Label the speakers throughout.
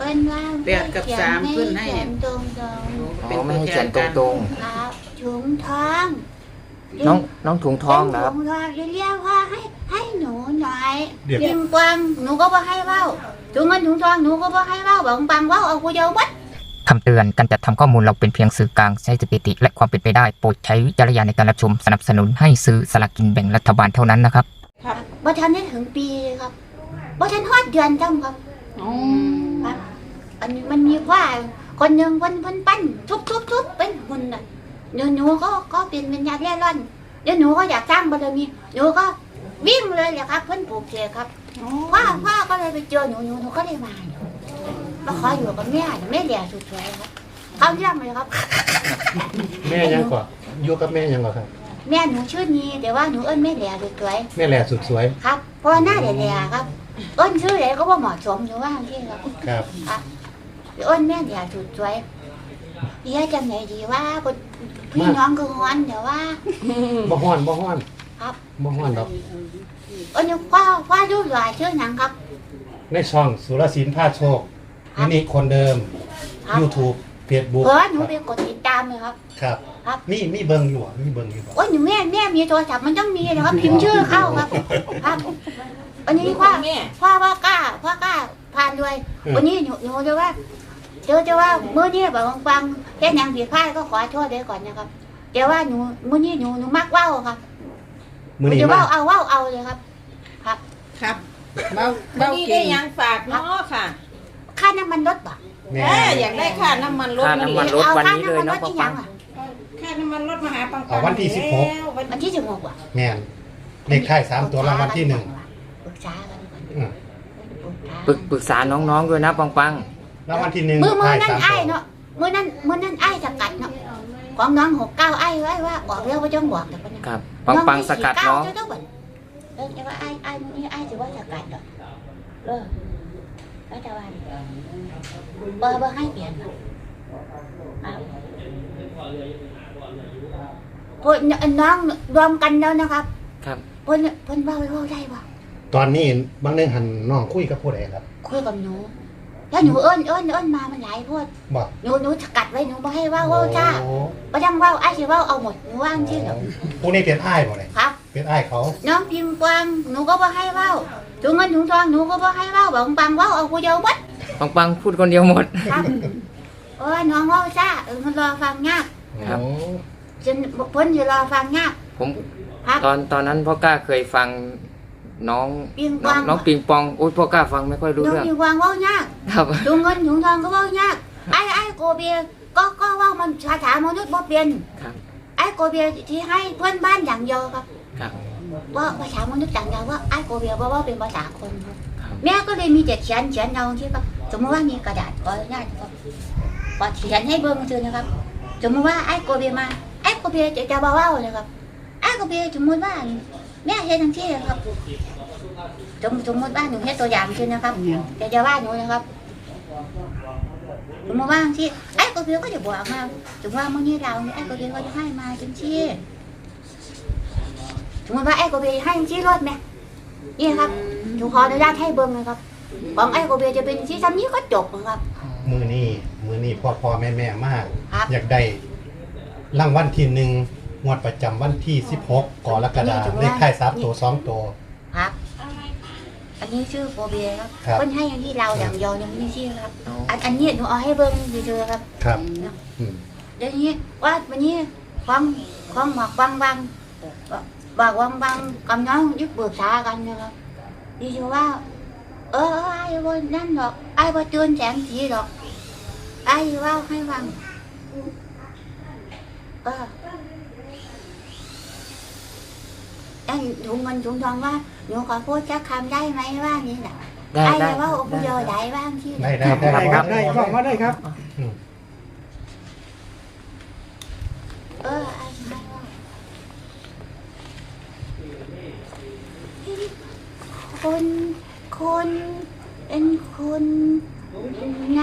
Speaker 1: นว่า8 กับ 3ขึ้นให้ตรง
Speaker 2: ไม่ให้เขียนตรง
Speaker 1: ๆครับถุงทอง
Speaker 2: น้องถุงทองครับ
Speaker 1: ถุงทองเรียกว่าให้หนูหน่อยยิงกวางหนูก็บ่ให้เว้าถุงเงินถุงทองหนูก็บ่ให้เว้าบอกปังเว้าเอากูเดียวบัด
Speaker 2: คำเตือนการจัดทำข้อมูลเราเป็นเพียงสื่อกลางใช้สถิติและความเป็นไปได้โปรดใช้วิจารณญาณในการรับชมสนับสนุนให้ซื้อสลากกินแบ่งรัฐบาลเท่านั้นนะครับ
Speaker 1: บ่ทันได้ถึงปีเลยครับบ่ทันฮอดเดือนจังครับครับอันนี้มันมีว่าคนหนึ่งเพิ่นปั้นทุบเป็นหุ่นน่ะเดี๋ยวหนูก็เป็นวิญญาณเร่ร่อนเดี๋ยวหนูก็อยากสร้างบารมีหนูก็วิ่งเลยแหละครับเพิ่นปลูกเสกครับพ่อก็เลยไปเจอหนูก็เลยมาขออยู่กับแม่แหล่สุดสวยครับเขาเรื่องเลยครับ
Speaker 3: แม่ยังก่อนอยู่กับแม่ยังก่อนครับ
Speaker 1: แม่หนูชื่อนี้แต่ว่าหนูเอิ้นแม่แหล่สุดสวย
Speaker 3: แม่แหล่สุดสวย
Speaker 1: ครับเพราะหน้าแหล่ครับเอิ้นชื่อไหนก็ว่าเหมาะสมอยู่ว่าที่ครับครับเอิ้นแม่แหล่สุดสวยเดี๋ยวจังไหนดีว่าพี่น้องคือฮ้อนเดี๋ยวว่า
Speaker 3: บ่ฮ้อน
Speaker 1: ครับ
Speaker 3: บ่ฮ้อนดอก
Speaker 1: นี่ว่าดูหลายชื่อหนังครับ
Speaker 3: ในช่องสุรศิลป์พาโชคนี่คนเดิม YouTube Facebook
Speaker 1: หนูไปกดติดตามเลยครับ
Speaker 3: ครับมีเบิ่งอยู่มีเบิ่งอยู่
Speaker 1: หนูแม่มีโทรศัพท์มันต้องมีนะครับพิมพ์ชื่อเข้าครับครับวันนี้พ่อกล้าผ่านด้วยวันนี้หนูจะว่าเมื่อนี้แบบฟังแค่ยังผิดพลาดก็ขอโทษด้วยก่อนนะครับเดี๋ยวว่าหนูเมื่อนี้หนูมักว่าวครับจะว่าวเอาเลยครับ
Speaker 4: ครับเบาได้ยังฝากเนาะค่ะ
Speaker 1: ค่าน้ำมันรถป่ะ
Speaker 4: อยากได้ค่าน้ำมันรถ
Speaker 2: วันนี้เลยเนาะ
Speaker 4: ปังค่าน้ำมันรถมาหาปัง
Speaker 3: วันที่
Speaker 1: 16วันที่16ว่ะ
Speaker 3: แม่นเลขท้าย3ตัวรางวัลที่1
Speaker 1: ปรึกษากัน
Speaker 2: ปรึกษาน้องๆด้วยนะปัง
Speaker 3: รางวัลที่1
Speaker 1: มื้อนั้นไอ้เนาะมื้อนั้นไอ้สกัดเนาะของน้อง69ไอ้ไว้ว่าบอกแล้วว่าจ้องบอกแต่คนนี้
Speaker 2: ครับปังสกัดน้อง
Speaker 1: แต่ว่าไอ้มื้อนี้ไอ้จะว่าสกัดเหรอก็จะว่าเบอร์ให้เปลี่ยนพวกน้องรวมกันแล้วนะครับ
Speaker 2: ครับ
Speaker 1: เพิ่นเว้าได้บ่
Speaker 3: ตอนนี้บางเรื่องหันน้องคุยกับผู้ใดครับ
Speaker 1: คุยกับหนูแล้วหนูเอิ้นมามันหลายพวดหนูสกัดไว้หนูบ่ให้เว้าจ้าบ่ต้องเว้าไอ้สิเว้าเอาหมดหนูว่างที่เหรอ
Speaker 3: ผู้นี้เป็นอ้ายบ่เลย
Speaker 1: ครับ
Speaker 3: เป็นอ้ายเขา
Speaker 1: น้องพิมพ์กวางหนูก็บ่ให้เว้าถุงเงินถุงทองหนูก็บ่ให้เว้าบอกปังเว้าเอาผู้เดียวบัด
Speaker 2: ปังพูดคนเดียวหมด
Speaker 1: ครับน้องเว้าจ้ามันรอฟังยาก
Speaker 2: ครับ
Speaker 1: จนเพิ่นสิรอฟังยาก
Speaker 2: ผมตอนนั้นพ่อกล้าเคยฟังน้องปิงปองโอ้ยพ่อกล้าฟังไม่ค่อยรู้เรื่อง
Speaker 1: น้องปิงปองเว้ายาก
Speaker 2: ครับ
Speaker 1: ถุงเงินถุงทองก็เว้ายากไอ้โกเบียก็เว้ามันภาษามนุษย์บ่เป็น
Speaker 2: ครับ
Speaker 1: ไอ้โกเบียที่ให้เพื่อนบ้านอย่างเดียวครับ
Speaker 2: ครับ
Speaker 1: ว่าภาษามนุษย์อย่างเดียวว่าไอ้โกเบียว่าเป็นภาษาคนแม่ก็เลยมีแต่เขียนเอาที่ครับสมมติว่ามีกระดาษก็ง่ายครับก็เขียนให้เบิ่งซื่อนะครับสมมติว่าไอ้โกเบียมาไอ้โกเบียจะเว้าเลยครับไอ้โกเบียสมมติว่าแม่เฮ็ดจังซี่ครับสมมติว่าหนูเฮ็ดตัวอย่างซื่อนะครับจะว่าหนูนะครับสมมติว่าที่ไอ้โกเบียก็จะบอกมาสมมติว่ามื้อนี้เราไอ้โกเบียก็จะให้มาจังซี่สมมติว่าไอ้โกเบียให้จังซี่รถแม่นี่ครับหนูขออนุญาตให้เบิ่งนะครับของไอ้โกเบียจะเป็นที่ซ้ำนี้ก็จบนะครับ
Speaker 3: มือนี่พ่อแม่มากอยากได้รางวัลที่1งวดประจำวันที่16กรกฎาคมเลขท้าย3ตัว2ตัว
Speaker 1: ครับอันนี้ชื่อโกเบียครับเพิ่นให้อย่างที่เราอย่างยอยังไม่ชื่อครับอันนี้หนูเอาให้เบิ่งซื่อๆครับ
Speaker 3: ครับ
Speaker 1: เดี๋ยวนี้ว่าวันนี้ของหมอกบางบอกบางกับน้องยึดปรึกษากันนะครับดีชัวว่าไอ้บ่นั่นหรอกไอ้บ่ตื่นแสงสีหรอกไอ้ว่าให้ฟังไอ้ถุงเงินถุงทองว่าหนูขอพูดสักคำได้ไหมว่านี่แหละไอ้ว่าอุปโยชน์ได้บ้างที่
Speaker 3: ได้ครับได้บอกว่าได้ครับ
Speaker 1: คนเป็นคนไง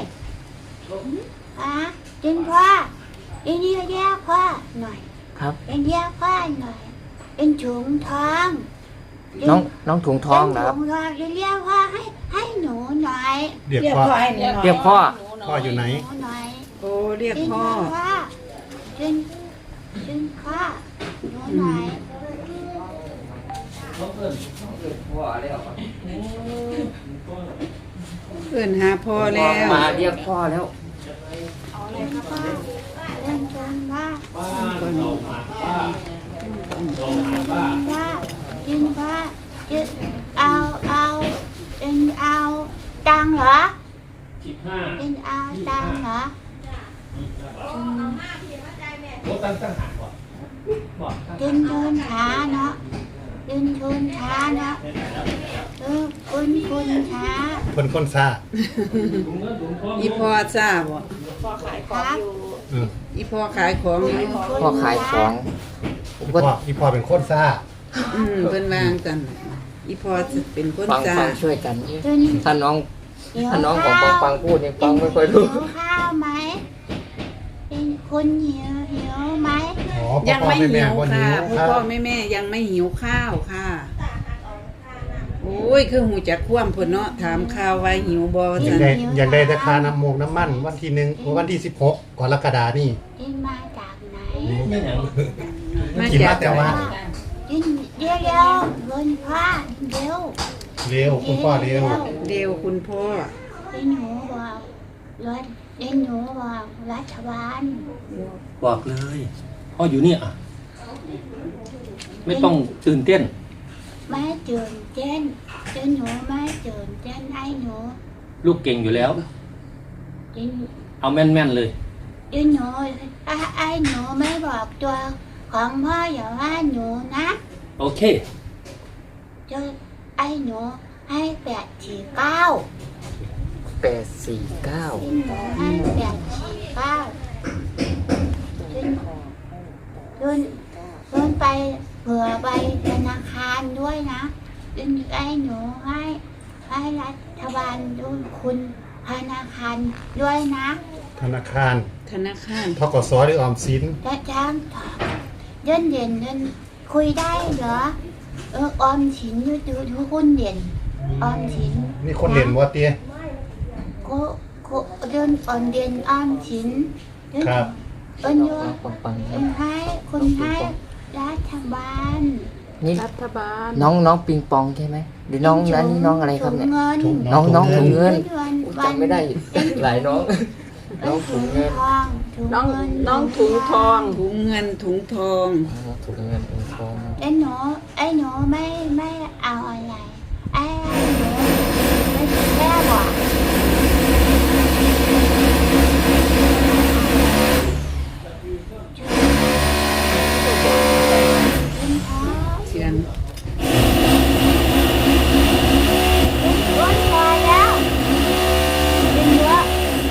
Speaker 1: เป็นพ่อเป็นเรียกพ่อหน่อย
Speaker 2: ครับ
Speaker 1: เป็นเรียกพ่อหน่อยเป็นถุงทอง
Speaker 2: น้องถุงทองครับ
Speaker 1: ถุงทองเรียกพ่อให้หนูหน่อย
Speaker 3: เรียก
Speaker 4: เรียก
Speaker 3: พ่อ
Speaker 4: พ่อให้หนูหน่อย
Speaker 2: เรียกพ่อ
Speaker 3: พ่ออยู่ไหน
Speaker 1: หนูหน่อย
Speaker 4: โอ้เรียก
Speaker 1: กิน
Speaker 4: พ่อ
Speaker 1: ข้าวกินข้าวหนูหน่อย
Speaker 4: เอิ้นหาพ่อแล้ว
Speaker 2: มาเรียกพ่อแล้ว
Speaker 1: พ่อเล่นจนว่ากินว่ากินเอาตังเหรอกินเอาตังเหรอกินชนช้าเนาะกินชนช้าเนาะคุณช้า
Speaker 3: คนคนซ่า
Speaker 4: อีพ่อทราบบ่
Speaker 1: ครับ
Speaker 3: เออ
Speaker 4: อีพ่อขายของอยู่
Speaker 2: พ่อขายของผมก็
Speaker 3: อีพ่อเป็นคนซ่า
Speaker 4: เพิ่นวางกันอีพ่อเป็นคน
Speaker 2: ฟัง
Speaker 4: จ้า
Speaker 2: ช่วยกัน
Speaker 1: กิน
Speaker 2: ถ้าน้อง
Speaker 1: หิว
Speaker 2: ถ้าน้องของ
Speaker 1: ข้าว
Speaker 2: ปังพูดเนี่ยปังไม่ค่อยรู้
Speaker 1: หิวข้าวไหมเป็นคนหิวไหม
Speaker 3: อ๋อ
Speaker 4: ยังไม่หิว
Speaker 3: พ่อ
Speaker 4: ค่ะ
Speaker 3: แม่
Speaker 4: พ่อแม่ยังไม่หิวข้าวค่ะ โอ้ยคือหูจักคว่ำพุ่นเนาะถามข่าวว่าหิวบ่
Speaker 3: อยา
Speaker 4: จั
Speaker 3: ก
Speaker 4: ง
Speaker 3: ได้อยากได้ราคาน้ำมูกน้ำมันวันที่วันที่16กรกฎานี่
Speaker 1: กินมาจากไหน
Speaker 4: มา
Speaker 3: กิน
Speaker 4: จา
Speaker 3: มาแต่ว่า
Speaker 1: กินเร็วๆบนผ้าเร็ว
Speaker 3: เร็วคุณพ่อเร็ว
Speaker 4: เร็วคุณพ่อ
Speaker 1: ไอ้หนูบอกรถไอ้หนูบอกรัฐบาล
Speaker 5: บอกเลยพ่ออยู่เนี่ยอะไม่ต้องตื่นเต้น
Speaker 1: ไม่ตื่นเต้นไอ้หนูไม่ตื่นเต้นไอ้หนู
Speaker 5: ลูกเก่งอยู่แล้ว
Speaker 1: ไอ้
Speaker 5: เอาแม่นๆเลย
Speaker 1: ไอ้หนูไอ้หนูไม่บอกตัวของพ่ออย่าว่าหนูนะ
Speaker 5: โอเค
Speaker 1: เจอไอ้หนูให้849
Speaker 2: 849
Speaker 1: ไอ้หนูให้849เดินไปเผื่อไปธนาคารด้วยนะไอ้หนูให้รัฐบาลด้วยคุณธนาคารด้วยนะ
Speaker 3: ธนาคาร
Speaker 4: ธนาคาร
Speaker 3: ทกสหรือออมสิน
Speaker 1: จะจ้างเดินคุยได้เหรอออมสินดูคุณเด่นออมสิน
Speaker 3: มีคนเด่นบ่เตี้ย
Speaker 1: ก็เดินออนเด่นออมสิน
Speaker 3: ครับ
Speaker 1: เอิ้นอยู่
Speaker 2: ปัง
Speaker 1: คุณให้รัฐบาล
Speaker 2: นี่
Speaker 4: รัฐบาล
Speaker 2: น้องปิงปองใช่ไหมหรือน้องนั้นนี่น้องอะไรครับเนี่ย
Speaker 1: ถุงเงิน
Speaker 2: น้องถุงเงิน
Speaker 1: วัน
Speaker 2: จำไม่ได้หลายน้อง น้องถุงเงิน
Speaker 1: ทองถุงเงิน
Speaker 4: น้องถุงทองถุงเงินถุงทอง
Speaker 2: ถุงเงินถุงทอง
Speaker 1: ไอ้หนูไม่เอาอะไรไอ้หนูไม่แค่บอก
Speaker 4: เสียง
Speaker 1: อ้วนพอแล้วเป็นเยอะ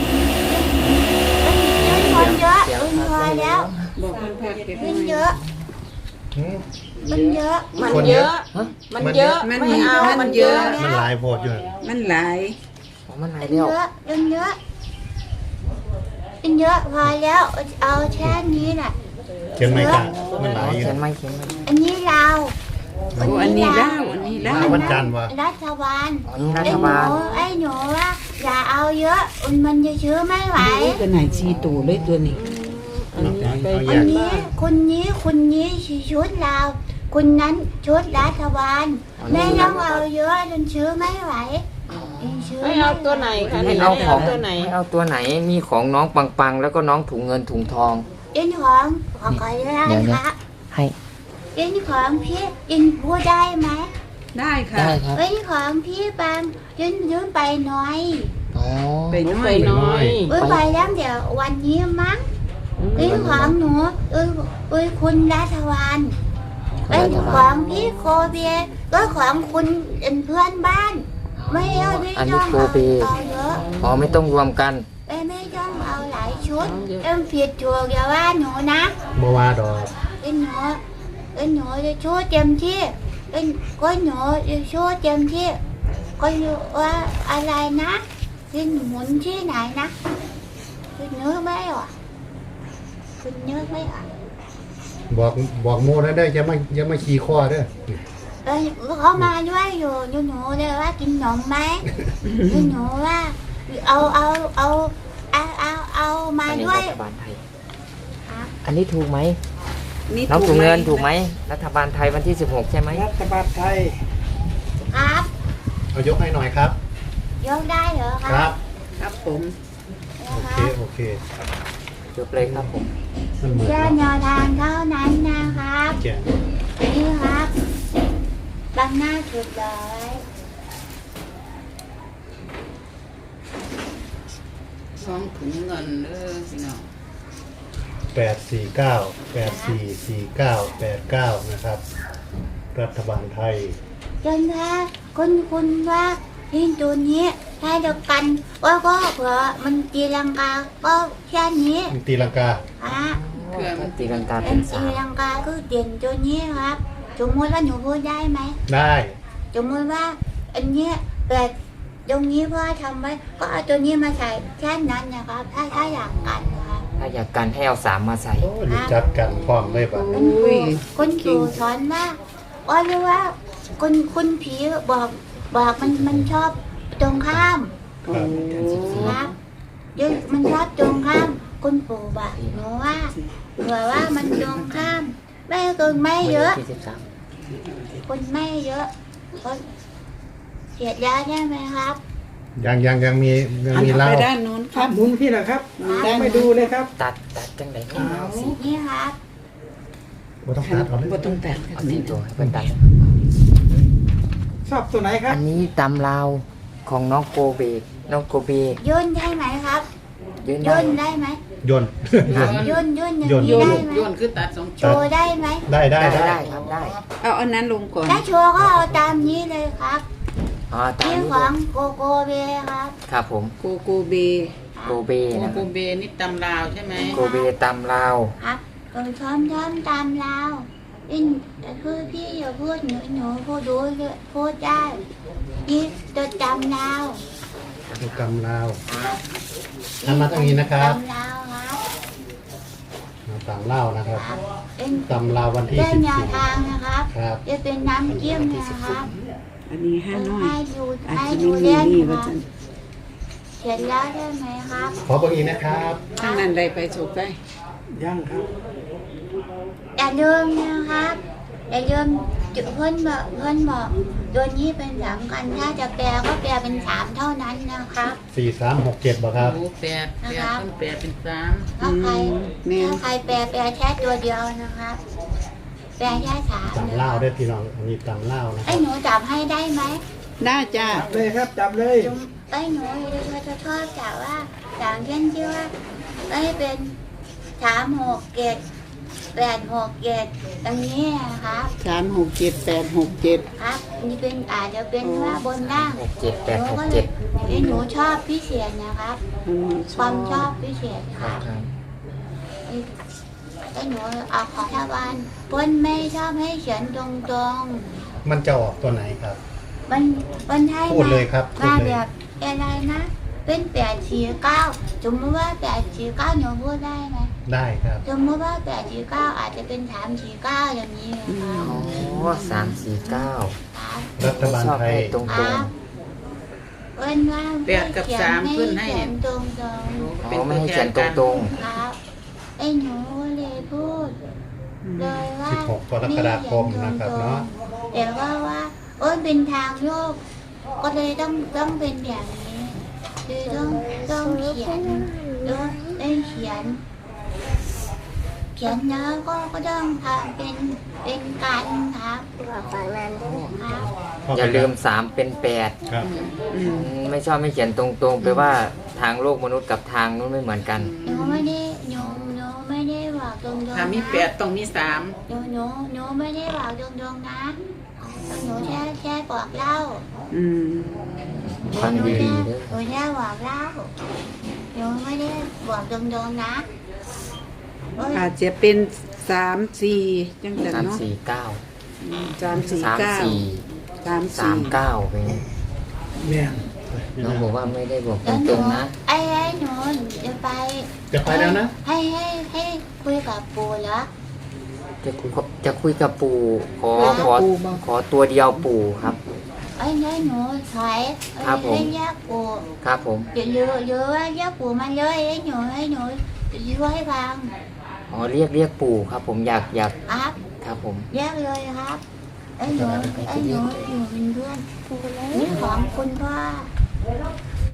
Speaker 1: เป็นคนเยอะเป็นพอแล้ว
Speaker 4: บอกเพิ่นพักเก็บ
Speaker 1: เป็น
Speaker 4: ไว้
Speaker 1: เยอะ
Speaker 3: หืม
Speaker 1: มันเยอะ
Speaker 3: คนเยอะ
Speaker 4: มันเยอะไม่เอามันเยอะ
Speaker 3: มันหลายโพดอยู่
Speaker 4: มันหลาย
Speaker 2: มันหาย
Speaker 1: เป็น
Speaker 2: แล้ว
Speaker 1: เยอะเป็นเยอะเป็นเยอะพอแล้วเอาแค่นี้แหละ
Speaker 3: เขียนไม่กล้ามันหลายอยู่
Speaker 2: เขียนไม่เขียนไม่
Speaker 1: อันนี้เรา
Speaker 4: โอ้อันนี้เล่าอันนี้เล่า
Speaker 3: วันจันทร์วะ
Speaker 1: รัฐบาล
Speaker 2: อ๋อนี่รัฐบาล
Speaker 1: ไอ้หนูว่าอย่าเอาเยอะมันจะชื้อไม่ไหว
Speaker 4: ตัวไหนชีตูเลยตัวนี้
Speaker 3: เอาแย
Speaker 1: อัน
Speaker 3: ก
Speaker 1: นี้คนนี้ชุดเราคนนั้นชุดรัฐบาลไม่ต้องเอาเยอะจนชื้อไม่ไหวชื้อ
Speaker 4: ให้เอาตัวไหนคะ
Speaker 2: ให้เอาของ
Speaker 4: ตัวไหน
Speaker 2: ให้เอาตัวไหนมีของน้องปังแล้วก็น้องถุงเงินถุงทอง
Speaker 1: อินของขอได้
Speaker 2: เดี๋ยว
Speaker 1: ค
Speaker 2: นะ
Speaker 1: รับ
Speaker 2: ให้
Speaker 1: อินของพี่อินพูดได้ไหม
Speaker 4: ได้ค่ะ
Speaker 2: ได้ครับ
Speaker 1: อินของพี่บางยืนไปหน่อย
Speaker 2: อ๋อ
Speaker 4: ไปน้อยน้อย
Speaker 1: ไปแล้วเดี๋ยววันนี้มั้งอินของหนูคุณรัฐบาลเป็นของพี่โคเบียก็ของคุณเพื่อนบ้าน ไม่เอา
Speaker 2: อันนี้โกเบ
Speaker 1: เอาเยอะ
Speaker 2: อ๋อไม่ต้องรวมกัน
Speaker 1: ไม่ต้องเอาหลายชุดผิดถูกอย่าว่าหนูนะ
Speaker 3: บ่ว่าดอก
Speaker 1: หนูจะช่วยเต็มที่ก็หนูจะช่วยเต็มที่ก็ว่าอะไรนะที่หมุนที่ไหนนะคุณนึกไม่ออกคุณนึกไม่ออก
Speaker 3: บอกโมแล้วได้ออย่ามาขี่คอเด้อ
Speaker 1: เขามาด้วยอยู่หนูเลยว่ากินขนมไหมหนูว่าเอามา
Speaker 2: อันนี้
Speaker 1: ด้วย
Speaker 2: รัฐบาลไทย
Speaker 1: ครับ
Speaker 2: อันนี้ถูกไหม
Speaker 4: นี่
Speaker 2: น้อง
Speaker 4: ถู
Speaker 2: ถุ
Speaker 4: ก
Speaker 2: ง
Speaker 4: ไหม
Speaker 2: เงินถูกไหมรัฐบาลไทยวันที่ 16 ใช่ไหม
Speaker 6: รัฐบาลไทย
Speaker 1: ครับ
Speaker 3: เอายกให้หน่อยครับ
Speaker 1: ยกได้เหรอค
Speaker 3: ค
Speaker 1: รั
Speaker 3: รับ
Speaker 4: ครับผม
Speaker 3: โอเค
Speaker 2: ยกเลยครับผม
Speaker 3: มันเหมือน
Speaker 1: แค่แนวทางเท่านั้นนะครับ
Speaker 3: แกะ
Speaker 1: นี่ครับบังหน้าถูกเลย
Speaker 4: สองถุงเงินเด้อพี่น้อง
Speaker 3: 849 นะครับ รัฐบาลไทย
Speaker 1: จนถ้าคุณว่าที่ตัวนี้ถ้าเดียวกันว่าก็เผื่อมันตีลังกาก็แค่นี้
Speaker 3: ตีลังกา
Speaker 1: ฮะ
Speaker 4: เพื่อมัน
Speaker 2: ตีลังกา
Speaker 1: เป็
Speaker 2: เป็น น
Speaker 1: ตี
Speaker 2: สาม
Speaker 1: ลังกาคือเด่นตัวนี้ครับสมมติว่าหนูพูดได้ไหม
Speaker 3: ได้
Speaker 1: สมมติว่าอันเนี้ยเกิดตรงนี้พ่อทำไว้ก็เอาตัวนี้มาใส่แค่นั้นนะครับถ้าอยากกันนะครับ
Speaker 2: ถ้าอยากกันให้เอา3มาใส่
Speaker 3: โอ้รู้จักกันพร้อมเลยป่ะ
Speaker 1: คุณครูสอนว่าว่าเรียกว่าคุณผีบอกมันชอบตรงข้าม
Speaker 3: ครับ
Speaker 1: ครับเดี๋ยวมันชอบตรงข้าม คุณปู่บอกหนูว่าเผื่อว่ามันตรงข้ามไม่เกินไม่เยอะ
Speaker 2: ที่13
Speaker 1: คุณไม่เยอะก็เสียแล้วใช่ไหมครับ
Speaker 3: ยังมี
Speaker 4: อัน
Speaker 3: เห
Speaker 4: เอา
Speaker 3: ล้า
Speaker 4: ไปด้านโน้นค
Speaker 6: ครั
Speaker 4: รั
Speaker 6: บบ หมุนพี่เหรอครับยังไม่ดูเลยครับ
Speaker 2: ตัดจังไหนให้เอาสิ
Speaker 1: นี่ครับ
Speaker 3: บ่ต้องตัดเอาเลย
Speaker 4: บ่ต้องแตะ
Speaker 2: เอาที่ตัวให้เพื่อนตัด
Speaker 6: ชอบตัวไหนครับ
Speaker 2: อันนี้ตำลาวของน้องโกเบ
Speaker 1: ย่นได้ไหมครับ
Speaker 2: ยืน
Speaker 1: ย่
Speaker 2: ได้
Speaker 1: นได้ไหม
Speaker 3: ยนต์
Speaker 1: ย่นอย่าง
Speaker 3: ย่น
Speaker 1: นี้ได้ไหม
Speaker 4: โยนคือตัดสอง
Speaker 1: โชว์ได้ไหม
Speaker 3: ได้
Speaker 2: ได้ครับได้
Speaker 4: เอาอันนั้นลงก่อน
Speaker 1: ถ้าโชว์ก็เอาตามนี้เลยครับ
Speaker 2: อ๋อตาม
Speaker 1: นี่
Speaker 2: นี้
Speaker 1: ข
Speaker 2: เล
Speaker 1: อย งโกโกเบครับ
Speaker 2: ครับผม
Speaker 4: โกโกเบ
Speaker 2: โกเบ
Speaker 4: โก
Speaker 2: นะ
Speaker 4: โกเบนี่ตำลาวใช่ไหม
Speaker 2: โกเบตำลาว
Speaker 1: ครับช้อมตามเราแต่คือพี่อย่าพูดหนูพูดดูเลยพูดได้พี่จะจำเรา
Speaker 3: ดูกำลาวหันมาทางนี้นะครับ
Speaker 1: จำเราครับ
Speaker 3: มาตามเล่านะครับ
Speaker 1: เป็น
Speaker 3: ตำลาววันที่
Speaker 1: เส้นแนวทางนะครั
Speaker 3: 14
Speaker 1: บ
Speaker 3: ครับ
Speaker 1: จะเป็นน้ำจิ้มนะครับ
Speaker 4: อันนี้ห้าน้อย
Speaker 1: ให้ดู
Speaker 4: อาจ
Speaker 1: ให้
Speaker 4: จะ
Speaker 1: ดู
Speaker 4: ไม่มี
Speaker 1: เล่น
Speaker 4: นี่
Speaker 1: ค
Speaker 4: ว่า
Speaker 1: รับ
Speaker 4: จะ
Speaker 1: เขียนแล้วได้ไหมครับ
Speaker 3: ขอเบอร์อีกนะครับ
Speaker 4: ทางนั้นได้ไปสุกได้
Speaker 6: ยังครับ
Speaker 1: อย่าลืมนะครับอย่าลืมจุดเพื่อนบอกตัวนี้เป็นสามกันถ้าจะแปลก็แปลเป็นสามเท่านั้นนะครับ
Speaker 3: 4367บ่ครับ
Speaker 4: โอ้แปดต้องแปดเป็นสาม
Speaker 1: ถ้าใคร
Speaker 4: แม่
Speaker 1: ถ้าใครแปลแค่ตัวเดียวนะครับ แปลแค่สาม
Speaker 3: ตำเล่าได้อพี่น้องอันนี้ตำเล่านะค
Speaker 1: ไอ้
Speaker 3: รับ
Speaker 1: หนูจับให้ได้ไหม
Speaker 4: ได้จ้า
Speaker 6: เลยครับจับเลย
Speaker 1: ไอ้หนูจะชอบจับว่าอย่างเช่นที่ว่าไอ้เป็น367 867ตรงนี้นะครับ
Speaker 4: 367 867
Speaker 1: ครับนี่เป็นอาจจะเป็นว่าบนล่าง
Speaker 2: 67867
Speaker 1: ไอ้หนูชอบพิเศษนะครับ ความชอบพิเศษครับ ไอ้หนูเอาขอทวารเพิ่นไม่ชอบให้เขียนตรง
Speaker 3: มันจะออกตัวไหนครับ
Speaker 1: ๆมันให้
Speaker 3: พูดเลยครับพูด
Speaker 1: มา
Speaker 3: เลย
Speaker 1: แบบอะไรนะ เป็น849สมมติว่า849หนูพูดได้ไหม
Speaker 3: ได้ครับ
Speaker 1: สมมติว่า849อาจจะเป็น349อย่างนี้นะครับ
Speaker 2: อ๋อ349
Speaker 1: ครับ
Speaker 3: รัฐบาล
Speaker 2: ชอบ
Speaker 3: ไท
Speaker 2: ให้
Speaker 3: ย
Speaker 2: ตรง
Speaker 1: ครับเพิ่นว่า
Speaker 4: แปดกับสามเพิ่นให้
Speaker 1: เขียนตรง
Speaker 2: ๆอ๋อไม่ให้เขียนตรง
Speaker 1: ๆครับไอ้หนูเลยพูด เลยว่า
Speaker 3: 16 กรกฎาคมนะครับเนาะ
Speaker 1: แต่ว่าเป็นทางโยก ก็เลยต้องเป็นอย่างนี้คือต้องเขียนต้องเขียนแล้วก็ต้องทำเป็นการครับครับ
Speaker 2: ๆ อย่าลืม3เป็น8
Speaker 3: ครับ
Speaker 2: ไม่ชอบไม่เขียนตรงๆแปลว่าทางโลกมนุษย์กับทางนู้นไม่เหมือนกัน
Speaker 1: หนูไม่ได้บอกตรงๆนะ
Speaker 4: ถ้ามีแปดต้องมีสาม
Speaker 1: หนูไม่ได้บอกตรงๆนะหนูแค่บอกเล่า
Speaker 2: ฟังดีๆเด้อ
Speaker 1: หนูแค่บอกเล่าหนูไม่ได้บอกตรงๆนะ
Speaker 4: อาจจะเป็น3-4จังซั่นเนาะ
Speaker 2: 349
Speaker 4: 349
Speaker 2: 39เป็นไง
Speaker 6: แม่น
Speaker 2: น้องบอกว่าไม่ได้บอกตรงๆนะ
Speaker 1: ไอ้หนูจะไป
Speaker 3: จะไปแล้วนะ
Speaker 1: ให้คุยกับปู่เหรอ
Speaker 2: จะคุยกับปู่ขอ
Speaker 4: กับ
Speaker 2: ขอ
Speaker 4: ปู่บ่
Speaker 2: ขอตัวเดียวปู่ครับ
Speaker 1: ไอ้เนี่ยหนูถอย
Speaker 2: ครับผม
Speaker 1: ให้ยากปู่
Speaker 2: ครับผม
Speaker 1: เยอะยากปู่มาเลยให้หนูช่วยฟัง
Speaker 2: อ๋อเรียกปู่ครับ ผมอยาก
Speaker 1: ครับ
Speaker 2: ครับผม
Speaker 1: แยกเลยครับไอ้หนูอยู่เป็นเพื่อนปู่เลยนี่ของคุณพ่อ